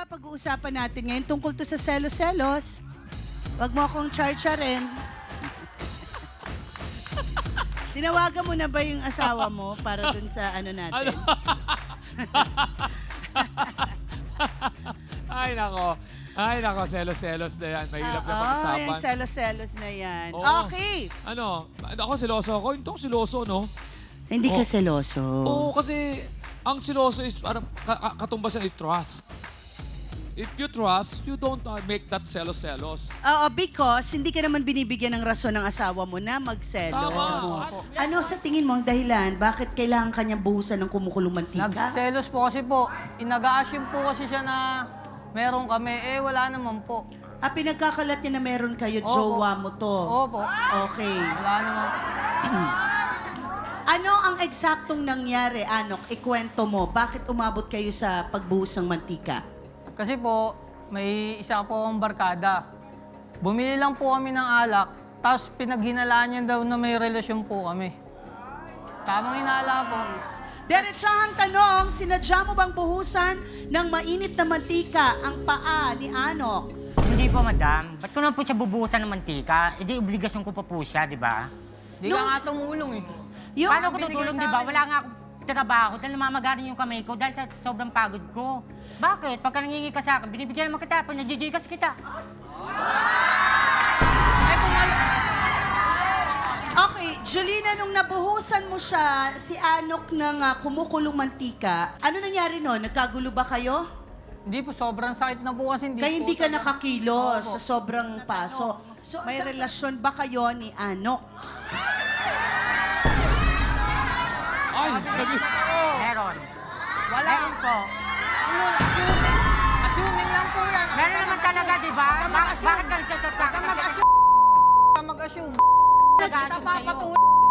pag-uusapan natin ngayon tungkol to sa selos-selos. Wag mo akong char-charin. Tinawagan mo na ba yung asawa mo para dun sa ano natin? Ay, nako, selos-selos na yan. Mahirap na pag-usapan. yung selos-selos na yan. Oo. Okay. Ako seloso ako. Hindi ako seloso, no? Hindi ka Oh. seloso. Oo, kasi ang seloso is parang katumbasan is trust. If you trust, you don't make that selos-selos. Oo, because hindi ka naman binibigyan ng rason ng asawa mo na magselos. Tama. Ano sa tingin mo ang dahilan? Bakit kailangan kanya buhusan ng kumukulong mantika? Nagselos po kasi po. Inaga-assume po kasi siya na meron kami. Eh, wala naman po. Pinagkakalat niya na meron kayo, Opo. jowa mo to. Opo. Okay. Wala naman. Ano ang eksaktong nangyari, Anok? Ikwento mo. Bakit umabot kayo sa pagbuhos ng mantika? Kasi po, may isa po akong barkada. Bumili lang po kami ng alak, tapos pinaghinalaan niya daw na may relasyon po kami. Tamang hinala po. Diretsahang tanong, sinadya mo bang buhusan ng mainit na mantika ang paa ni Anok? Hindi po, madam. Ba't ko naman po siya bubuhusan ng mantika? E di obligasyon ko pa po siya, di ba? Di ka nga tumulong eh. Yung, Paano ko binigay tutulong, sa di ba? akin Wala nga akong trabaho dahil namamagarin yung kamay ko dahil sa sobrang pagod ko. Bakit? Pagka nangingi ka sa akin, binibigyan naman kita, pag nagjijikas kita. okay, Julina, nung nabuhusan mo siya, si Anok ng kumukulong mantika, ano nangyari noon? Nagkagulo ba kayo? Hindi po, sobrang sakit na po kasi. Kaya hindi ka nakakilos Opo. sa sobrang paso. So, may relasyon ba kayo ni Anok? Ay, Meron. Wala. Meron po. Assuming lang po yan. Meron naman talaga, di ba? Bakit ka nagchat-chat sa akin? Ka mag-assume. Nag-assume sa'yo.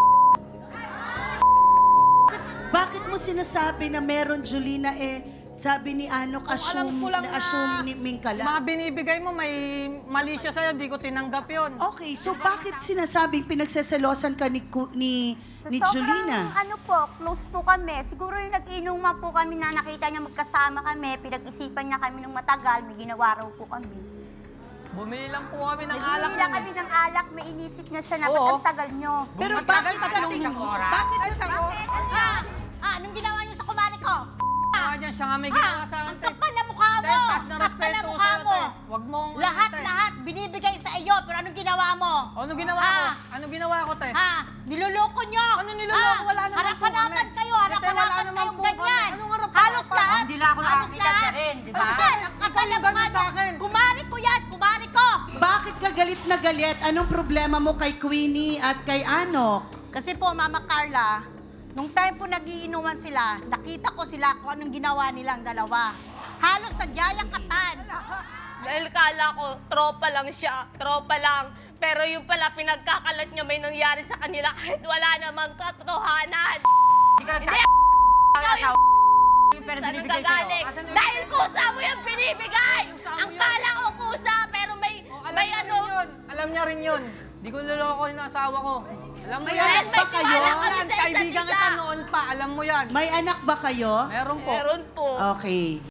Bakit mo sinasabi na meron, Julina, sabi ni Anok, Alam ko lang assume ni Mingkala? mga binibigay mo, may mali siya sa'yo, di ko tinanggap yun. Okay, so bakit sinasabing pinagseselosan ka ni Sobrang, Julina? ano po, close po kami. Siguro yung nag-inuman po kami na nakita niya magkasama kami, pinag-isipan niya kami ng matagal, may ginawa raw po kami. Bumili lang po kami ng alak. Bumili lang kami ng alak, may inisip niya siya na ba't Oo. ang tagal niyo. Pero Ang bakit tagal, tatlong sa isang oras. Bakit Ay, isang oras. Anong ginawa niyo sa kumari ko? Dyan, siya nga may ginawa sa akin. Ang kapal na mukha mo! Dahil taas na Kapal respeto ko mukha sa'yo, mo! te. Huwag mong... Lahat binibigay sa iyo, pero anong ginawa mo? Ano ginawa ko? Ah. Ano ginawa ko, te? Ha? Niloloko niyo! Ano niloloko? Wala naman po Harap-harapan kami. kayo, Te, wala harap-harapan naman kayong po kami. ganyan! Anong harap-harapan? Halos lahat! Hindi lang ako Halos nakakita lahat. siya rin, di ba? Ano siya? Ang kapal na Ikaw yung mukha ganun sa mo! akin. Kumari ko yan! Kumari ko! Bakit ka galit na galit? Anong problema mo kay Queenie at kay Anok? Kasi po, Mama Carla, nung time po nagiinuman sila, nakita ko sila kung anong ginawa nilang dalawa. Halos nagyayakapan. Dahil kala ko, tropa lang siya, tropa lang. Pero yung pala, pinagkakalat niya may nangyari sa kanila kahit wala namang katotohanan. Hindi ka Hindi nagtatawa. Yung pera Saan binibigay sa'yo. gagaling? Asan yung Dahil evidence? kusa mo yung binibigay! Kusa mo Ang yun. kala ko kusa, pero may Alam may niya ano... rin yun. Alam niya rin yun. Di ko niloloko yung asawa ko. Alam mo May yan. anak ba kayo? tiwala kami Yan, sa isa't kaibigan isa. kita noon pa. Alam mo yan. May anak ba kayo? Meron po. Meron po. Okay.